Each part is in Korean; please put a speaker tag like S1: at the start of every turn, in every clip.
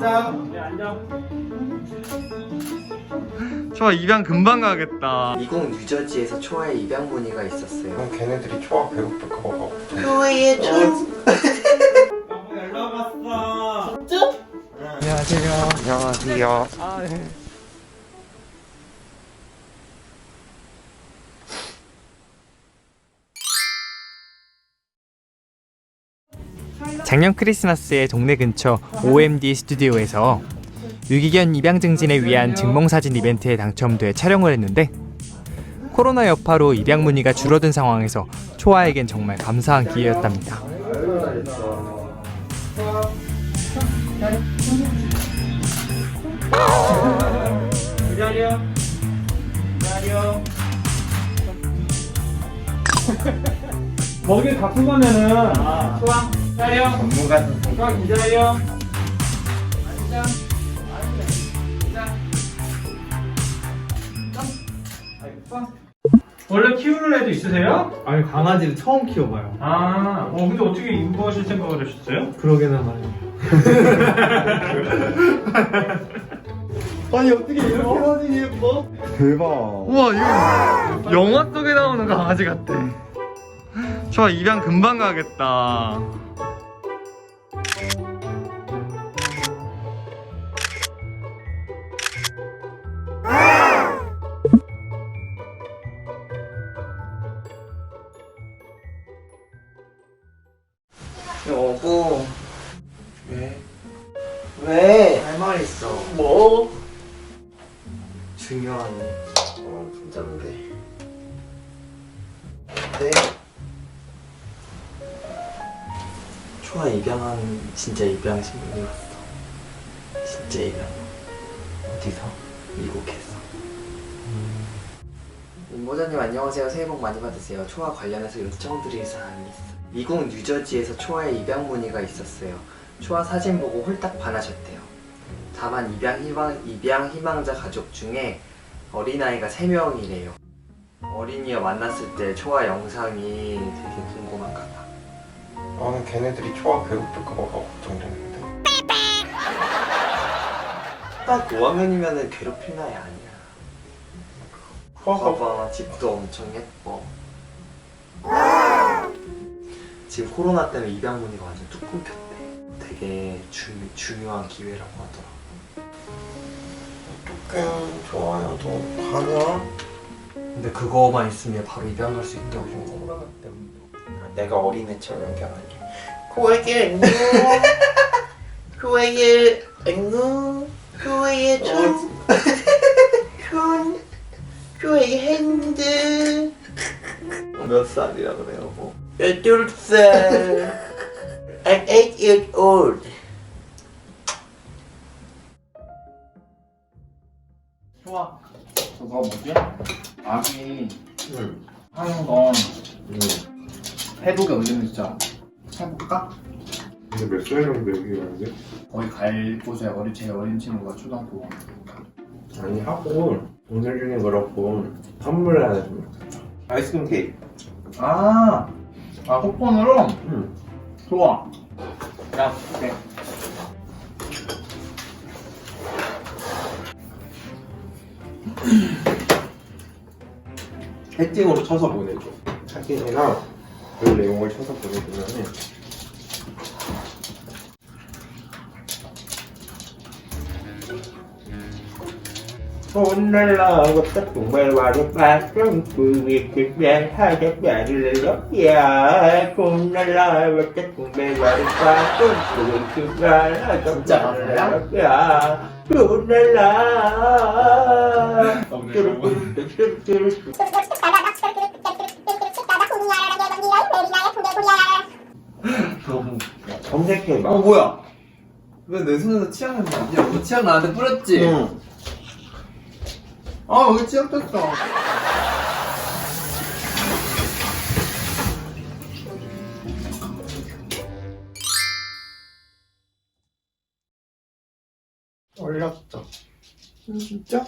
S1: 앉아. 네, 앉아.
S2: 초아 입양 금방 가겠다.
S3: 미국 뉴저지에서 초아의 입양 문의가 있었어요.
S4: 그럼 걔네들이 초아 배고플까 봐.
S3: 초아의
S1: 여보 연락 왔어.
S2: 안녕하세요.
S4: 안녕하세요.
S2: 아, 네. 작년 크리스마스에 동네 근처 OMD 스튜디오에서 유기견 입양 증진을 위한 증명사진 이벤트에 당첨돼 촬영을 했는데 코로나 여파로 입양 문의가 줄어든 상황에서 초아에겐 정말 감사한 기회였답니다.
S1: 기다려. 기다려. 먹이 갖고 가면은 초아 기다려.
S4: 전문가
S1: 초아 기다려. 앉아. 앉아. 원래 키우는 애도 있으세요?
S5: 아니 강아지를 처음 키워봐요.
S1: 아, 근데 어떻게 인부하실 생각을 하셨어요?
S5: 그러게나 말이에요. 아니 어떻게 이렇게 사진이 예뻐?
S4: 대박.
S2: 우와, 이거 영화 속에 나오는 강아지 같아. 초아 입양 금방 가겠다.
S3: 여보,
S4: 왜?
S3: 왜? 할 말 있어.
S4: 뭐?
S3: 중요한.
S4: 진짠데.
S3: 네. 초아 입양한 진짜 입양 신문이 왔어. 진짜 입양. 어디서? 미국에서. 임보자님 안녕하세요. 새해 복 많이 받으세요. 초아 관련해서 요청드릴 사항이 있어. 미국 뉴저지에서 초아의 입양 문의가 있었어요. 초아 사진 보고 홀딱 반하셨대요. 다만 입양 희망자 가족 중에 어린아이가 3명이래요. 어린이와 만났을 때 초아 영상이 되게 궁금한가 봐.
S4: 나는 걔네들이 초아 배고플까 봐 걱정되는데.
S3: 딱 5학년이면 괴롭힐 나이 아니야.
S4: 초아가
S3: 봐봐, 집도 엄청 예뻐. 지금 코로나 때문에 입양 문의가 완전 뚝 끊겼대. 되게 중요한 기회라고 하더라.
S4: 어떡해. 좋아요. 너 가냐?
S3: 근데 그거만 있으면 바로 입양할 수 있다고.
S4: 코로나 때문에. 내가 어린애처럼 연기하게. 코에게 안녕. 코에게 안녕. 코에게 코에게 핸드.
S3: 몇 살이라 그래요, 뭐?
S4: 12살. I'm 8 years old.
S1: 초아, 저거 뭐지? 아기 하는 건 페북에 올리면 진짜 해볼까?
S4: 근데 몇 살 정도 얘기하는데?
S1: 거기 갈 곳에 제일 어린 친구가 초등학교.
S4: 아니 하고 오늘 중에 그렇고 선물 하나 좀. 아이스크림 케이크.
S1: 쿠폰으로?
S4: 응.
S1: 좋아. 야, 오케이.
S4: 채팅으로 쳐서 보내줘. 사진이랑 그 내용을 쳐서 보내주면은 오늘라 어떤 정말 와르바 정부의 그냥 하자마를 넣야 오늘라 어떤 정말 와르바 정부의 그냥 하자마를 넣야 오늘라 검색해봐.
S5: 뭐야? 왜 내 손에서 치약 냄새 나지? 너 치약 나한테 뿌렸지?
S4: 응.
S5: 아 여기 치약 떴어.
S4: 올렸어. 진짜?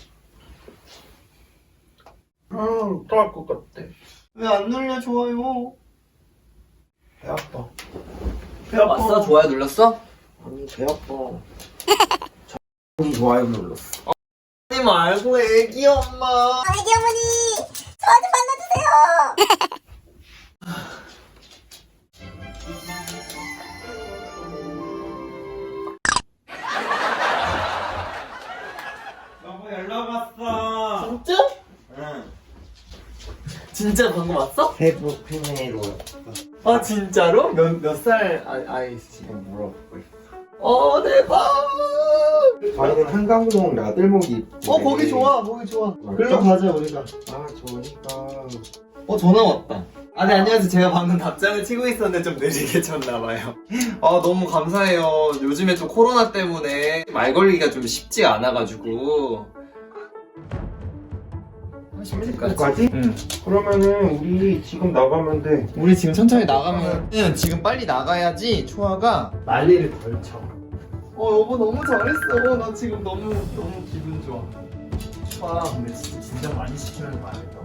S4: 어떡할 것 같아.
S5: 왜 안 눌려 좋아요?
S4: 배 아파.
S5: 배 아파.
S3: 좋아요 눌렀어?
S4: 아니, 배 아파. 좋아요 눌렀어.
S3: 하지 말고 애기 엄마.
S6: 애기 어머니 저한테 만나주세요.
S4: 여보 연락 왔어.
S3: 진짜?
S4: 응.
S3: 진짜 방금 왔어?
S4: 페북 페메로
S3: 아 진짜로? 몇 살 아이씨?
S4: 물어보고 있어.
S3: 대박.
S4: 저희는 한강동 나들목이.
S3: 거기 좋아 거기 좋아.
S4: 맞죠?
S3: 글로 가자 우리가.
S4: 아 좋으니까.
S3: 전화 왔다. 네 안녕하세요. 제가 방금 답장을 치고 있었는데 좀 느리게 쳤나봐요. 너무 감사해요. 요즘에 또 코로나 때문에 말 걸기가 좀 쉽지 않아가지고.
S4: 까지?
S3: 응.
S4: 그러면은 우리 지금 나가면 돼.
S3: 우리 지금 천천히 나가면 지금 빨리 나가야지 초아가 난리를 덜 쳐. 여보 너무 잘했어. 나 지금 너무 기분 좋아. 초아 근데 진짜 많이 시키면 말이다.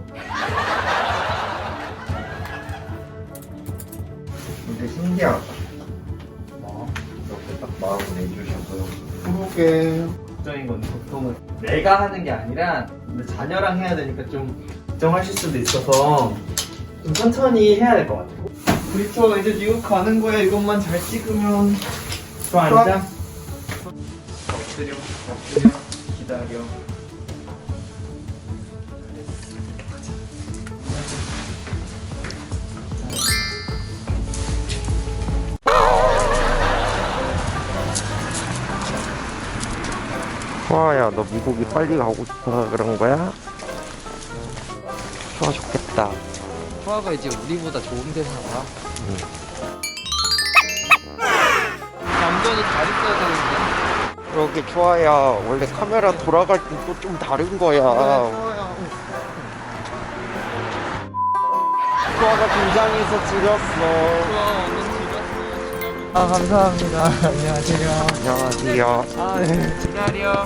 S4: 근데 신기하다.
S3: 뭐?
S4: 이렇게 딱 마음을 내주셔서.
S3: 그러게. 걱정인 건 보통은 내가 하는 게 아니라 근데 자녀랑 해야 되니까 좀 걱정하실 수도 있어서 좀 천천히 해야 될 것 같아요. 우리 저 이제 미국 가는 거야. 이것만 잘 찍으면. 저 앉아. 엎드려 기다려.
S4: 초아야, 너 미국이 빨리 가고 싶어서 그런 거야? 초아 좋겠다.
S3: 초아가 이제 우리보다 좋은 데 살아. 완전히 잘 있어야 되는데.
S4: 그러게 초아야, 원래 카메라 돌아갈 땐 또 좀 다른 거야. 초아가 긴장해서 지렸어.
S3: 감사합니다. 안녕하세요.
S4: 안녕하세요.
S3: 네. 기다려.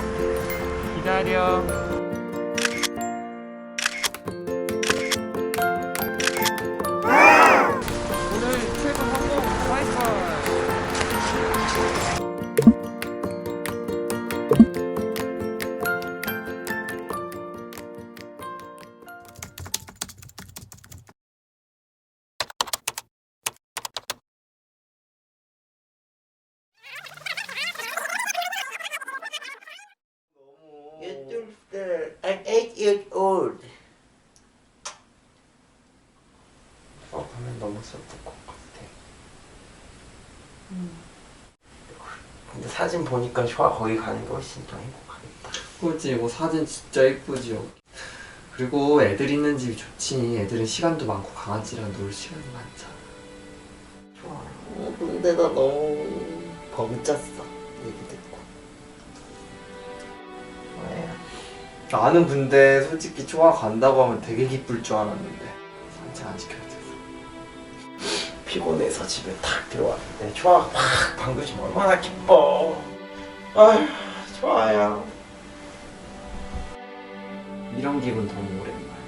S3: 오늘 최고 성공 하이파이.
S4: I'm 8 years old. 화면 너무 슬플 것 같아. 근데 사진 보니까 쇼아 거기 가는 게 훨씬 더 행복하겠다.
S3: 그렇지. 뭐 사진 진짜 이쁘지요. 그리고 애들 있는 집이 좋지. 애들은 시간도 많고 강아지랑 놀 시간이 많잖아.
S4: 좋아. 근데 나 너무 버그쳤어. 얘기 듣고. 왜?
S3: 나는 근데 솔직히 초아 간다고 하면 되게 기쁠 줄 알았는데 산책 안 시켜야 돼서
S4: 피곤해서 집에 탁 들어왔는데 초아가 막 반겨주면 얼마나 기뻐. 아휴, 좋아요.
S3: 이런 기분 너무 오랜만이야.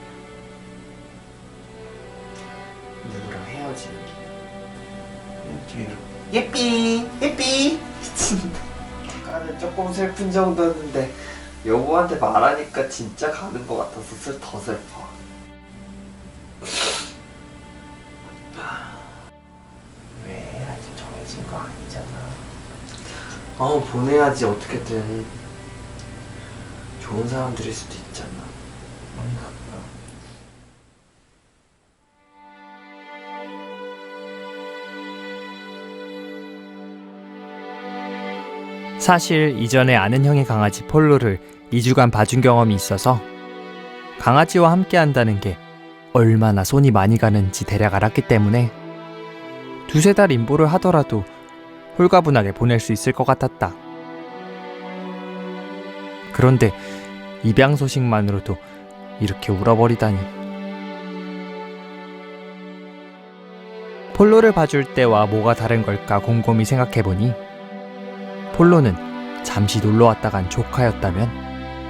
S3: 누구랑 헤어지는 기분. 예삐 미친다. 아까는 조금 슬픈 정도였는데 여보한테 말하니까 진짜 가는 것 같아서 더 슬퍼.
S4: 왜? 아직 정해진 거 아니잖아.
S3: 보내야지. 어떻게든 좋은 사람들일 수도 있잖아.
S2: 사실 이전에 아는 형의 강아지 폴로를 2주간 봐준 경험이 있어서 강아지와 함께 한다는 게 얼마나 손이 많이 가는지 대략 알았기 때문에 2~3달 임보를 하더라도 홀가분하게 보낼 수 있을 것 같았다. 그런데 입양 소식만으로도 이렇게 울어버리다니. 폴로를 봐줄 때와 뭐가 다른 걸까 곰곰이 생각해보니 폴로는 잠시 놀러 왔다 간 조카였다면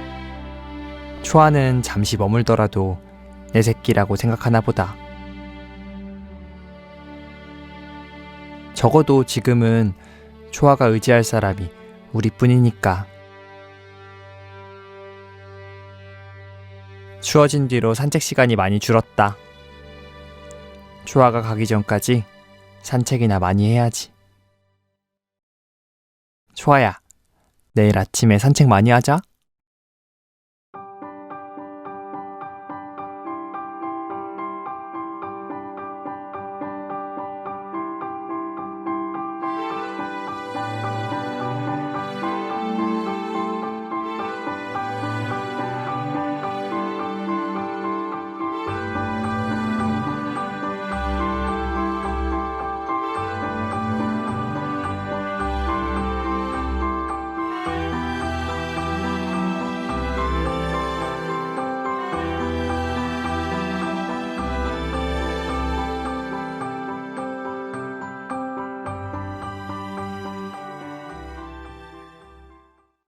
S2: 초아는 잠시 머물더라도 내 새끼라고 생각하나 보다. 적어도 지금은 초아가 의지할 사람이 우리뿐이니까 추워진 뒤로 산책 시간이 많이 줄었다. 초아가 가기 전까지 산책이나 많이 해야지. 초아야, 내일 아침에 산책 많이 하자.